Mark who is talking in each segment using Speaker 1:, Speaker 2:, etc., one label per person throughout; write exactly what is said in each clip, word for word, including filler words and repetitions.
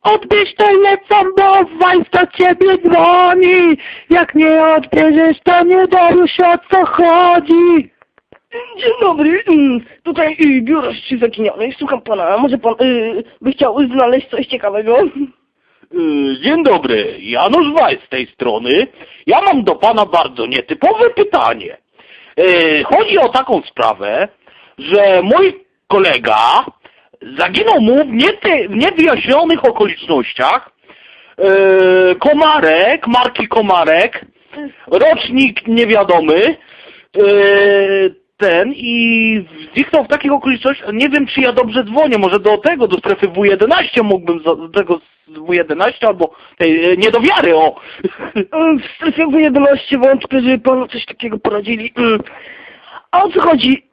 Speaker 1: Odbierz telefon, bo Wajs do ciebie dzwoni. Jak nie odbierzesz, to nie dowiesz, o co chodzi.
Speaker 2: Dzień dobry, mm, tutaj y, biuro Ścisk Zaginionych, słucham pana, może pan y, by chciał znaleźć coś ciekawego?
Speaker 1: Yy, Dzień dobry, Janusz Wajs z tej strony. Ja mam do pana bardzo nietypowe pytanie. Yy, Chodzi o taką sprawę, że mój kolega zaginął mu w, niety, w niewyjaśnionych okolicznościach. Yy, Komarek, marki Komarek, rocznik niewiadomy, yy, ten i zniknął w takich okolicznościach. Nie wiem, czy ja dobrze dzwonię, może do tego, do strefy W jedenaście mógłbym, do tego W jedenaście albo tej niedowiary, o.
Speaker 2: W strefie W jedenaście wątpię, żeby panu coś takiego poradzili. Mm. A o co chodzi?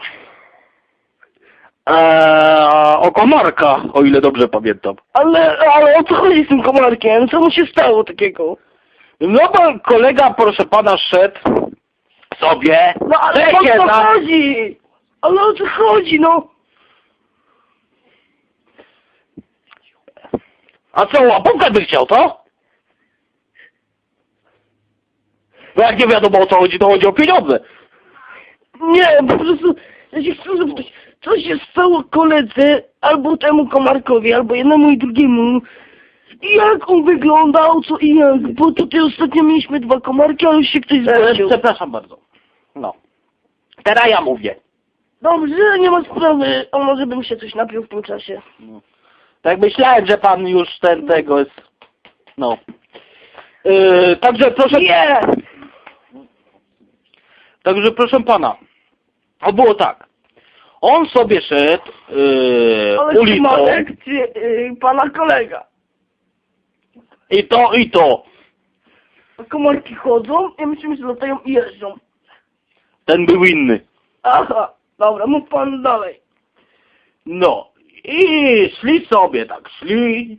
Speaker 1: Eee, o Komarka, o ile dobrze pamiętam.
Speaker 2: Ale, ale o co chodzi z tym komarkiem? Co mu się stało takiego?
Speaker 1: No bo kolega, proszę pana, szedł sobie.
Speaker 2: No ale o
Speaker 1: Czekaj,
Speaker 2: co
Speaker 1: na-
Speaker 2: chodzi? Ale o co chodzi, no?
Speaker 1: A co, łapówkę by chciał, co? Bo jak nie wiadomo, o co chodzi, to chodzi o pieniądze.
Speaker 2: Nie, po prostu ja się chcę zapytać, co się stało koledze, albo temu komarkowi, albo jednemu i drugiemu? I jak on wyglądał, co i jak? Bo tutaj ostatnio mieliśmy dwa komarki, ale już się ktoś
Speaker 1: E,
Speaker 2: zgłosił.
Speaker 1: przepraszam bardzo. No. Teraz ja mówię.
Speaker 2: Dobrze, nie ma sprawy, a może bym się coś napił w tym czasie.
Speaker 1: No. Tak myślałem, że pan już ten tego jest. No. Yy, także proszę.
Speaker 2: Nie!
Speaker 1: Także proszę pana. O było tak. On sobie szedł yy,
Speaker 2: Ale
Speaker 1: ulicą
Speaker 2: Komarek, czy yy, pana kolega?
Speaker 1: i to i to.
Speaker 2: A komarki chodzą i myślimy, że latają i jeżdżą.
Speaker 1: Ten był inny.
Speaker 2: Aha, dobra, mów pan dalej.
Speaker 1: No. I szli sobie tak, szli.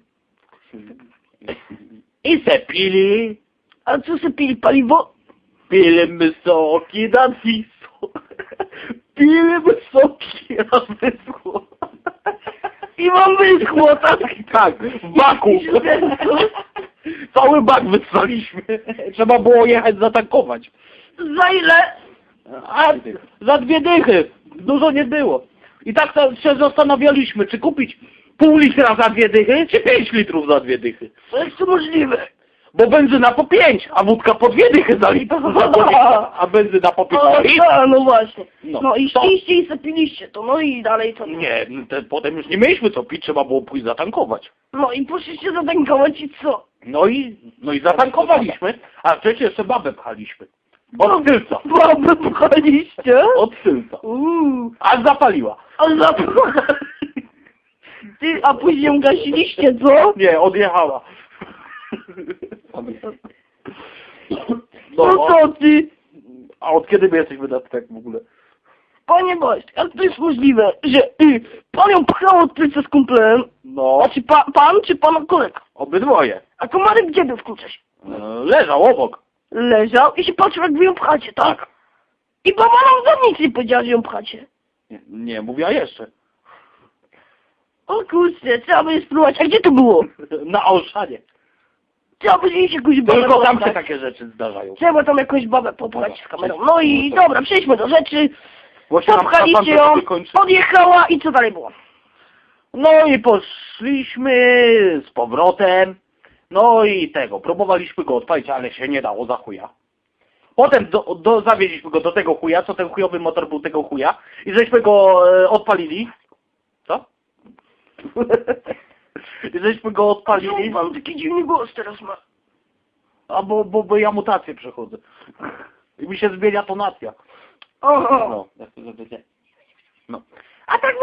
Speaker 1: I se pili.
Speaker 2: A co se pili, paliwo?
Speaker 1: Pili soki na Wisłą. Pili soki na Wisłą.
Speaker 2: I mam wyschło, tak?
Speaker 1: Tak, w baku.
Speaker 2: I się
Speaker 1: Cały bak wysłaliśmy. Trzeba było jechać zatankować.
Speaker 2: Za ile?
Speaker 1: A za dwie dychy. Dużo nie było. I tak to się zastanawialiśmy, czy kupić pół litra za dwie dychy, czy pięć litrów za dwie dychy.
Speaker 2: To jest to możliwe.
Speaker 1: Bo benzyna po pięć, a wódka po dwie dychy za litr, za dwie dychy, a benzyna po
Speaker 2: No,
Speaker 1: pięć.
Speaker 2: a, no właśnie.
Speaker 1: No.
Speaker 2: No i
Speaker 1: To-
Speaker 2: szliście i zapiliście to, no i dalej to.
Speaker 1: Nie, te, potem już nie mieliśmy co pić, trzeba było pójść zatankować.
Speaker 2: No i poszliście zatankować i co?
Speaker 1: No i, no i zatankowaliśmy, a wcześniej jeszcze babę pchaliśmy. Od tylca.
Speaker 2: Babę pchaliście?
Speaker 1: Od tylca.
Speaker 2: Uuu,
Speaker 1: Aż zapaliła.
Speaker 2: ale za... Ty, a później ją gasiliście, co?
Speaker 1: Nie, odjechała.
Speaker 2: No co ty?
Speaker 1: A od kiedy my jesteśmy na tak w ogóle?
Speaker 2: Panie Boś, jak to jest możliwe, że y, pan ją pchał od tylca z kumplem?
Speaker 1: No,
Speaker 2: Znaczy pa, pan czy pana kolega?
Speaker 1: obydwoje.
Speaker 2: A komarek gdzie był w tym czasie?
Speaker 1: E, Leżał obok.
Speaker 2: Leżał i się patrzył, jak wy ją pchacie, tak? I baba nam za nic nie powiedziała, że ją pchacie.
Speaker 1: Nie, nie mówiła jeszcze.
Speaker 2: O kurczę, trzeba by spróbować. A gdzie to było?
Speaker 1: Na Olszanie.
Speaker 2: Trzeba by gdzieś jakąś babę
Speaker 1: Tylko tam się
Speaker 2: popchać.
Speaker 1: takie rzeczy zdarzają.
Speaker 2: Trzeba tam jakąś babę popchać z kamerą. No i dobra, przejdźmy do rzeczy.
Speaker 1: Właśnie nam
Speaker 2: Popchaliście
Speaker 1: szafan
Speaker 2: ją,
Speaker 1: sobie kończy.
Speaker 2: podjechała i co dalej było?
Speaker 1: No i poszliśmy z powrotem. No i tego, próbowaliśmy go odpalić, ale się nie dało za chuja. Potem do, do, zawieźliśmy go do tego chuja, co ten chujowy motor był tego chuja. I żeśmy go e, odpalili. Co? I żeśmy go odpalili.
Speaker 2: Mam taki dziwny głos teraz ma.
Speaker 1: A bo, bo, bo ja mutację przechodzę. I mi się zmienia tonacja.
Speaker 2: Oho.
Speaker 1: No, no.
Speaker 2: A tak